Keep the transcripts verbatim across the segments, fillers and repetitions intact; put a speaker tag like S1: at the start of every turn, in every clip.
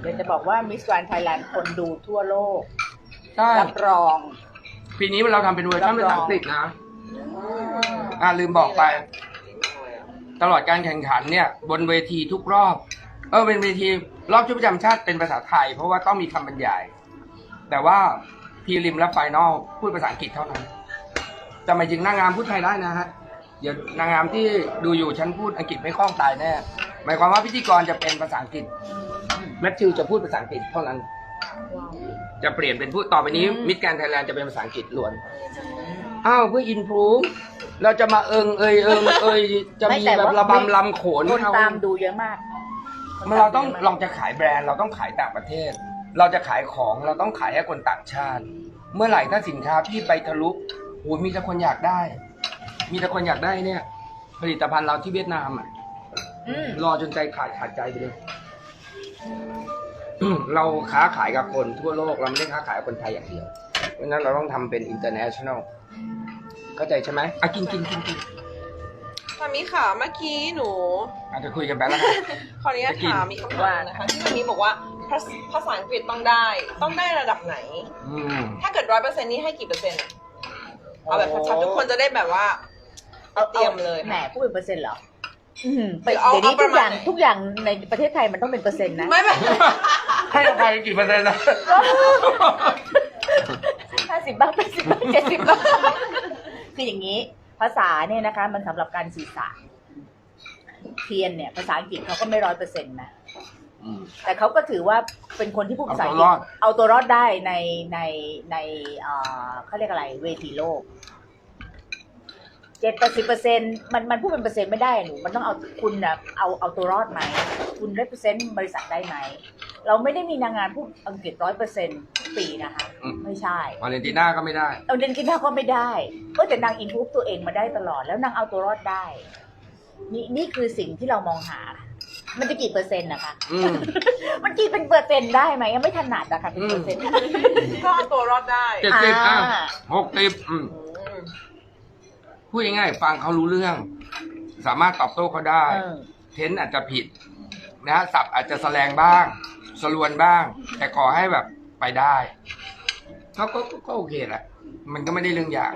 S1: เดี๋ยวจะบอกว่ามิสแกรนด์ไทยแลนด์คนดูทั่วโลก
S2: ใช่
S1: รับรอง
S2: ปีนี้เราทำเป็นเวอร์ชันภาษาอังกฤษนะอ่าลืมบอกไป ตลอดการแข่งขันเนี่ย บนเวทีทุกรอบ เออเป็นเวทีรอบชุดประจำชาติเป็นภาษาไทย เพราะว่าต้องมีคำบรรยาย แต่ว่าพรีลิมและไฟนอลพูดภาษาอังกฤษเท่านั้นแต่หมายถึงนางงามพูดไทยได้นะฮะเดี๋ยวนางงามที่ดูอยู่ฉันพูดอังกฤษไม่คล่องตายแน่หมายความว่าพิธีกรจะเป็นภาษาอังกฤษแมทธิวจะพูดภาษาอังกฤษเท่านั้น จะเปลี่ยนเป็นพูดต่อไปนี้มิสแกรนด์ไทยแลนด์จะเป็นภาษาอังกฤษล้วนอ้าวเพื่ออินพรูฟเราจะมาเอิงเอยเอิงเอยจะมีแบบระบำลำโขน
S1: คนตามดูเยอะมาก
S2: มันเราต้องเราจะขายแบรนด์เราต้องขายต่างประเทศ เราจะขายของเราต้องขายให้คนต่างชาติ เมื่อไหร่ถ้าสินค้าพี่ไปทะลุโอ้ยมีแต่คนอยากได้ มีแต่คนอยากได้เนี่ย ผลิตภัณฑ์เราที่เวียดนามอ่ะ
S1: อืม
S2: รอจนใจขาดขาดใจไปเลย เราค้าขายกับคนทั่วโลกเราไม่ได้ค้าขายกับคนไทยอย่างเดียว เพราะฉะนั้นเราต้องทำเป็น international เข้าใจใช่ไหมอ่ะกินกินกินกิน
S3: มามีค่ะเมื่อกี้หนู
S2: อาจจะคุยกันไปแล้วกัน
S3: ขออนุญาตถามมีคำถามนะคะที่มามีบอกว่าภาษภาษาอังกฤษต้องได้ ต้องได้ระดับไหน
S2: อืม
S3: ถ้าเกิดร้อยเปอร์เซ็นต์นี้ให้กี่เปอร์เซ็นต์เอาแบบชัดๆทุกคนจะได้แบบว่าเตรียมเลย
S1: แหมพูดเป็นเปอร์เซ็นต์เหรออืมไป
S3: เอา
S1: เดี๋ยวนี้
S3: เอาป
S1: ทุ
S3: ระ
S1: ก
S3: มาณ
S1: อย่าง
S3: ไหน
S1: ทุกอย่างในประเทศไทยมันต้องเป็นเปอร์เซ็นต์นะ
S3: ไม่ไม่
S2: ให้อภัยกี่เปอร์เซ็นต์นะ
S1: ห้าสิบบ้างแปดสิบบ้างเจ็ดสิบบ้างคืออย่างนี้ ภาษาเนี่ยนะคะ มันสำหรับการสื่อสารเทียนเนี่ยภาษาอังกฤษเขาก็ไม่ร้อยเปอร์เซ็นต์นะแต่เขาก็ถือว่าเป็นคนที่พูดภาษาอังกฤษเอาตัวรอดได้ในในในเอ่อเขาเรียกอะไรเวทีโลกเจ็ดแปดสิบเปอร์เซ็นต์มันมันพูดเป็นเปอร์เซ็นต์ไม่ได้หนูมันต้องเอาคุณนะเอาเอาตัวรอดไหมคุณ represent บริษัทได้ไหมเราไม่ได้มีนางงามพูดอังกฤษร้อยเปอร์เซ็นต์ทุกปีนะคะไม่ใช่
S2: วาเลนติน่าก็ไม่ได้
S1: เอาเดนกินข้าวก็ไม่ได้ก็แต่นางอินทูบตัวเองมาได้ตลอดแล้วนางเอาตัวรอดได้นี่นี่คือสิ่งที่เรามองหา มันจะกี่เปอร์เซ็นต์นะคะ
S2: อืม
S1: มันกี่เป็นเปอร์เซ็นต์ได้ไหมยังไม่ถนัดอะค่ะเป็นเปอร์เซ็นต์
S3: ก็เอาตัวรอดได้
S2: เจ็ดสิบอ่ะ
S1: อ่า
S2: หกสิบอืมพูดง่ายๆฟังเขารู้เรื่อง สามารถตอบโต้เขาได้
S1: เออ
S2: เทนอาจจะผิดนะฮะศัพท์อาจจะแสลงบ้างสลวนบ้าง แต่ขอให้แบบไปได้เขาก็ก็ก็โอเคแหละ มันก็ไม่ได้เรื่องอย่าง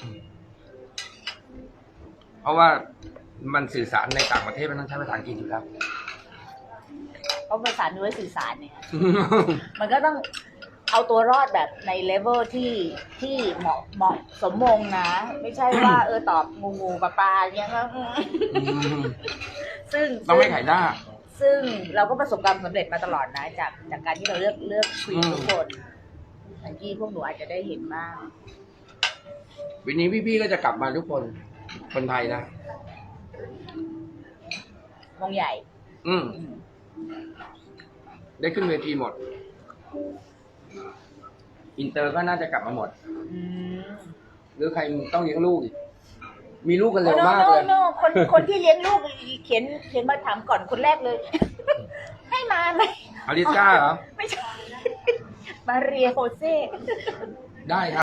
S2: เพราะว่ามันสื่อสารในต่างประเทศมันต้องใช้ภาษาอังกฤษอยู่แล้ว
S1: เพราะภาษาเนื้อสื่อสารเนี่ย มันก็ต้องเอาตัวรอดแบบในเลเวลที่ที่เหมาะเหมาะสมมงนะ ไม่ใช่ว่า เออตอบงูงูปลาปลาเงี้ยก็อืม
S2: ม
S1: ซึ่ง
S2: ต้องไม่ขายหน้า
S1: ซึ่งเราก็ประสบความสำเร็จมาตลอดนะ จากจากการที่เราเลือกเลือกคุย
S2: อืม
S1: ทุกคนบางทีพวกหนูอาจจะได้เห็นบ้าง
S2: วันนี้พี่ๆก็จะกลับมาทุกคน คนไทยนะ
S1: วงใหญ่
S2: อืม ได้ขึ้นเวทีหมด อินเตอร์ก็น่าจะกลับมาหมด
S1: อืม
S2: หรือใครต้องเลี้ยงลูกอีก มีลูกกัน
S1: โอ้
S2: เร็ว
S1: โน
S2: มาก
S1: โน
S2: เลย
S1: โนคนคนที่เลี้ยงลูกเขียนเขียนมาถามก่อนคนแรกเลย ให้มาไหม
S2: อลิสก้าเหรอ
S1: ไม่ใช่ มาเรียโฮเซ่
S2: ได้ครับ